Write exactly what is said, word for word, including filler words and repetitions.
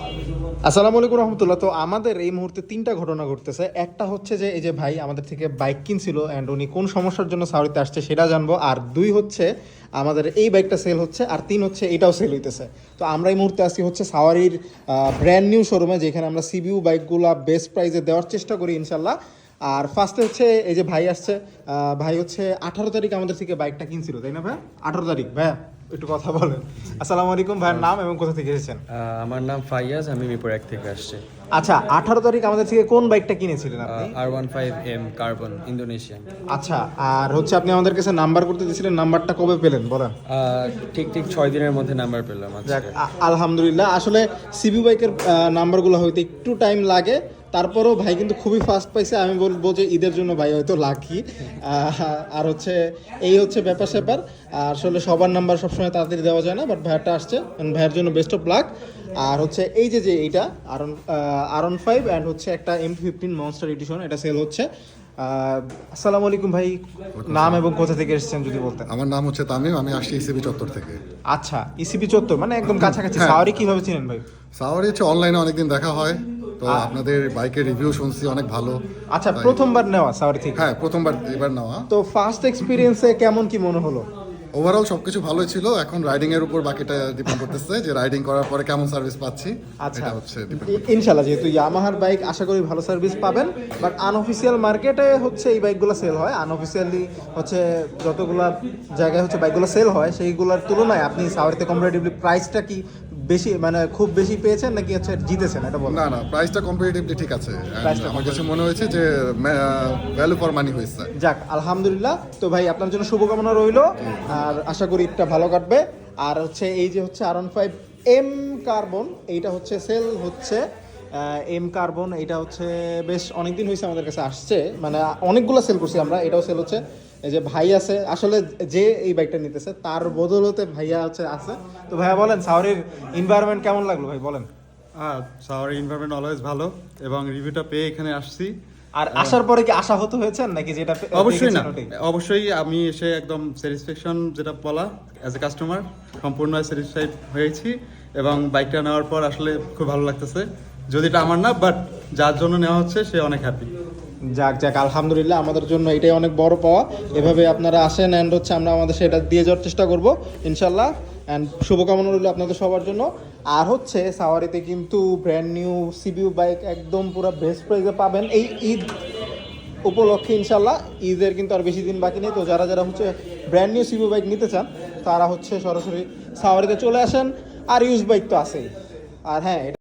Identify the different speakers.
Speaker 1: আসসালামু আলাইকুম রহমতুল্লাহ। তো আমাদের এই মুহূর্তে তিনটা ঘটনা ঘটতেছে। একটা হচ্ছে যে এই যে ভাই আমাদের থেকে বাইক কিনছিল অ্যান্ড উনি কোন সমস্যার জন্য সাউরিতে আসছে সেটা জানবো। আর দুই হচ্ছে আমাদের এই বাইকটা সেল হচ্ছে, আর তিন হচ্ছে এটাও সেল হইতেছে। তো আমরা এই মুহূর্তে আসি হচ্ছে সাওয়ারির ব্র্যান্ড নিউ শোরুমে, যেখানে আমরা সিবিউ বাইকগুলো বেস্ট প্রাইসে দেওয়ার চেষ্টা করি ইনশাল্লাহ। আর ফার্স্টে হচ্ছে এই যে ভাই আসছে, আহ, ভাই হচ্ছে আঠারো তারিখ আমাদের থেকে বাইকটা কিনছিল, তাই না ভাই? আঠারো তারিখ ভাইয়া একটু কথা বলেন। আসসালামু আলাইকুম, ভাইয়ের নাম এবং কোথা থেকে এসেছেন?
Speaker 2: আহ, আমার নাম ফাইয়াজ, আমি মিরপুর এক থেকে আসছি।
Speaker 1: আচ্ছা, আঠারো তারিখ আমাদের থেকে কোন বাইকটা কিনেছিলেন আপনি?
Speaker 2: R one five M carbon Indonesian.
Speaker 1: আচ্ছা, আর হচ্ছে আপনি আমাদের কাছে নাম্বার করতে দিয়েছিলেন, নাম্বারটা কবে পেলেন বলেন?
Speaker 2: ঠিক ঠিক ছয় দিনের মধ্যে নাম্বার পেলাম
Speaker 1: যাক,
Speaker 2: আজকে।
Speaker 1: আ- আলহামদুলিল্লাহ। আসলে সিবি বাইকের নাম্বারগুলো হয়তো একটু টাইম লাগে, তারপরেও ভাই কিন্তু খুবই ফাস্ট পাইছে। আমি বলবো যে ঈদের জন্য ভাই হয়তো লাকি। আর হচ্ছে এই হচ্ছে ব্যাপার স্যাপার। আর আসলে সবার নাম্বার সবসময় তাড়াতাড়ি দেওয়া যায় না, বাট ভাইয়ারটা আসছে, and ভাইয়ের জন্য বেস্ট অফ লাক। আর হচ্ছে এই যে যে এইটা আরন আরন ফাইভ অ্যান্ড হচ্ছে একটা এম ফিফটিন মনস্টার এডিশন, এটা সেল হচ্ছে। আহ, আসসালামু আলাইকুম ভাই, নাম এবং কোথা থেকে এসেছেন যদি বলতেন?
Speaker 3: আমার নাম হচ্ছে তামিম, আমি আসছি ইসিবি চত্বর থেকে।
Speaker 1: আচ্ছা, ইসিবি চত্বর মানে একদম কাছাকাছি।
Speaker 3: হ্যাঁ।
Speaker 1: সাওয়ারি কিভাবে চিনেন ভাই?
Speaker 3: সাওয়ারি হচ্ছে অনলাইনে অনেকদিন দেখা হয়, তো আপনাদের বাইকের রিভিউ শুনছি অনেক ভালো।
Speaker 1: আচ্ছা,
Speaker 3: তাই-
Speaker 1: প্রথমবার নেওয়া সাওয়ারি থেকে?
Speaker 3: হ্যাঁ, প্রথমবার এবার নেওয়া।
Speaker 1: তো ফার্স্ট এক্সপিরিয়েন্সে কেমন কি মনে হলো?
Speaker 3: ওভারঅল সবকিছু ভালোই ছিল, এখন রাইডিং এর উপর বাকিটা ডিপেন্ড করতেছে যে রাইডিং করার পরে কেমন সার্ভিস পাচ্ছি।
Speaker 1: আচ্ছা,
Speaker 3: এটা হচ্ছে depend
Speaker 1: ই- ইনশাল্লাহ, যেহেতু ইয়ামাহার বাইক আশা করি ভালো সার্ভিস পাবেন। বাট আনঅফিসিয়াল মার্কেটে হচ্ছে এই বাইকগুলো সেল হয়, আনঅফিসিয়ালি হচ্ছে যতগুলা জায়গায় হচ্ছে বাইকগুলো সেল হয় সেইগুলোর তুলনায় আপনি সাওয়ারিতে কম্পারেটিভলি প্রাইসটা কি বেশি, মানে খুব বেশি পেয়েছেন নাকি হচ্ছে জিতেছেন এটা বলেন?
Speaker 3: না না, প্রাইসটা কম্পারেটিভলি ঠিক আছে। And
Speaker 1: প্রাইসটা
Speaker 3: আমার কাছে মনে হয়েছে যে ভ্যালু ফর মানি হয়েছে।
Speaker 1: যাক, আলহামদুলিল্লাহ। তো ভাই আপনার জন্য শুভকামনা রইলো, আর আশা করি এটা ভালো কাটবে। আর হচ্ছে এই যে হচ্ছে R one five M carbon, এইটা হচ্ছে সেল হচ্ছে এম কার্বন। এটা হচ্ছে বেশ অনেকদিন হয়েছে আমাদের কাছে আসছে, মানে অনেকগুলো সেল করছি আমরা, এটাও সেল হচ্ছে। এই যে ভাই আছে, আসলে যে এই বাইকটা নিতেছে তার বদলতে ভাইয়া হচ্ছে আছে। তো ভাইয়া বলেন, সাওয়ারির এনভায়রনমেন্ট কেমন লাগলো ভাই বলেন?
Speaker 4: হ্যাঁ, সাওয়ার এনভায়রনমেন্ট অলওয়েজ ভালো, এবং রিভিউটা পেয়ে এখানে আসছি।
Speaker 1: আর আসার পরে কি আশা হতো হয়েছেন নাকি যেটা পে-
Speaker 4: অবশ্যই না,
Speaker 1: দেখেছেন ওটাই?
Speaker 4: অবশ্যই আমি এসে একদম স্যাটিসফ্যাকশন যেটা বলা অ্যাজ এ কাস্টমার সম্পূর্ণ স্যাটিসফাইড হয়েছি, এবং বাইকটা নেওয়ার পর আসলে খুব ভালো লাগতেছে। যদি এটা আমার না, বাট যার জন্য নেওয়া হচ্ছে সে অনেক হ্যাপি।
Speaker 1: যাক যাক, আলহামদুলিল্লাহ, আমাদের জন্য এটাই অনেক বড় পাওয়া। এভাবে আপনারা আসেন অ্যান্ড হচ্ছে আমরা আমাদের সেটা দিয়ে যাওয়ার চেষ্টা করব ইনশাল্লাহ। অ্যান্ড শুভকামনা রইল আপনাদের সবার জন্য। আর হচ্ছে সাওয়ারিতে কিন্তু ব্র্যান্ড নিউ সিবিউ বাইক একদম পুরো বেস্ট প্রাইসে পাবেন এই ঈদ উপলক্ষে ইনশাল্লাহ। ঈদের কিন্তু আর বেশি দিন বাকি নেই। তো যারা যারা হচ্ছে ব্র্যান্ড নিউ সিবিউ বাইক নিতে চান তারা হচ্ছে সরাসরি সাওয়ারিতে চলে আসেন। আর ইউজ বাইক তো আছেই। আর হ্যাঁ,